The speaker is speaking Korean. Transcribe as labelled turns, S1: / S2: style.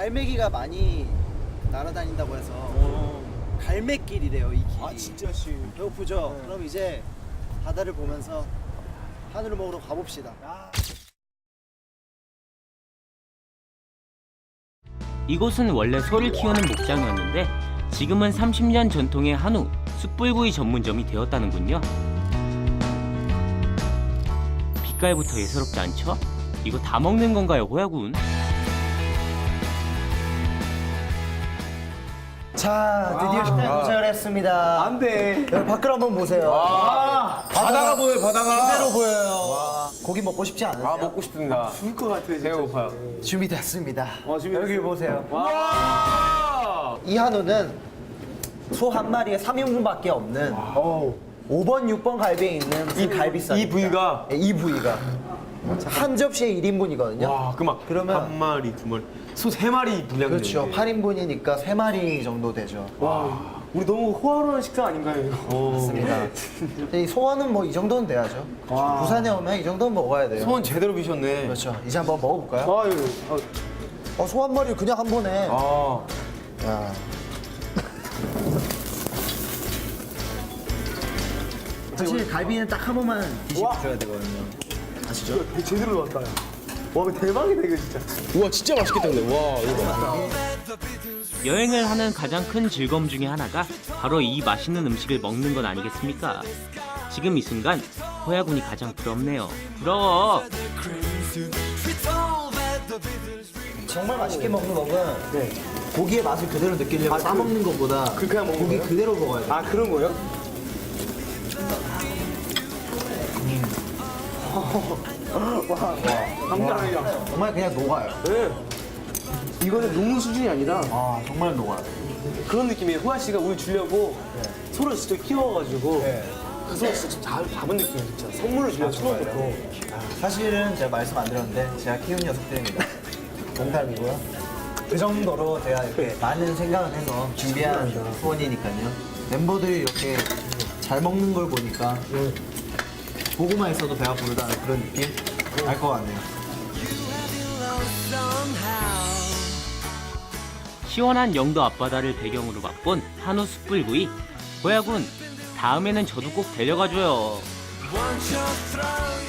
S1: 갈매기가 많이 날아다닌다고 해서 갈매길이래요 이 길이.
S2: 아 진짜 씨.
S1: 배고프죠?
S2: 네.
S1: 그럼 이제 바다를 보면서 한우를 먹으러 가봅시다.
S3: 이곳은 원래 소를 키우는 목장이었는데 지금은 30년 전통의 한우, 숯불구이 전문점이 되었다는군요. 빛깔부터 예사롭지 않죠? 이거 다 먹는 건가요, 호야군?
S1: 자, 드디어 식당에 도착을 했습니다.
S2: 안 돼.
S1: 여기 밖을 한번 보세요.
S2: 바다가 보여요, 바다가.
S1: 그대로 보여요. 고기 먹고 싶지 않으세요?
S2: 아, 먹고 싶습니다.
S1: 죽을 것 같아요. 진짜.
S2: 배고파요.
S1: 준비됐습니다.
S2: 준비됐어요.
S1: 여기 보세요.
S2: 와!
S1: 이 한우는 소 한 마리에 3인분밖에 없는 5번, 6번 갈비에 있는 이 갈비살.
S2: 이 부위가?
S1: 네, 이 부위가. 한 접시에 1인분이거든요.
S2: 와,
S1: 그러면
S2: 한 마리, 두 마리. 소 세 마리 분량.
S1: 그렇죠. 8인분이니까 3마리 정도 되죠.
S2: 와, 우리 너무 호화로운 식사 아닌가요, 이거?
S1: 맞습니다. 이 소원은 뭐 이 정도는 돼야죠. 부산에 오면 이 정도는 먹어야 돼요.
S2: 소원 제대로 비셨네.
S1: 그렇죠. 이제 한번 먹어볼까요?
S2: 아유,
S1: 소 한 마리 그냥 한 번에.
S2: 아.
S1: 야. 사실 갈비는 딱 한 번만 드셔야 되거든요. 아시죠?
S2: 제대로 나왔다. 와, 이거 대박이다, 이거 진짜. 우와, 진짜 맛있겠다, 근데. 와, 이거 봐.
S3: 여행을 하는 가장 큰 즐거움 중에 하나가 바로 이 맛있는 음식을 먹는 것 아니겠습니까? 지금 이 순간 호야군이 가장 부럽네요. 부러워!
S1: 정말 맛있게 먹는 법은 고기의 맛을 그대로 느끼려고 싸먹는 것보다
S2: 그냥 먹는
S1: 고기
S2: 거예요?
S1: 그대로 먹어야 돼요.
S2: 아, 그런 거예요? 감사합니다.
S1: 정말 그냥 녹아요.
S2: 네. 이거는 녹는 수준이 아니라
S1: 아, 정말 녹아요.
S2: 그런 느낌이에요. 호야 씨가 우리 주려고 소를 직접 키워가지고 그 소를 진짜 잘 잡은 느낌이에요, 진짜. 선물로 주려고 처음부터.
S1: 사실은 제가 말씀 안 드렸는데 제가 키운 녀석들입니다. 농담이고요. 그 정도로 제가 이렇게 많은 생각을 해서 준비한 소원이니까요. 멤버들이 이렇게 잘 먹는 걸 보니까 보고만 있어도 배가 부르다는 그런 느낌? 알 것 같네요.
S3: 시원한 영도 앞바다를 배경으로 맛본 한우 숯불구이. 호야군, 다음에는 저도 꼭 데려가줘요.
S4: Want your throne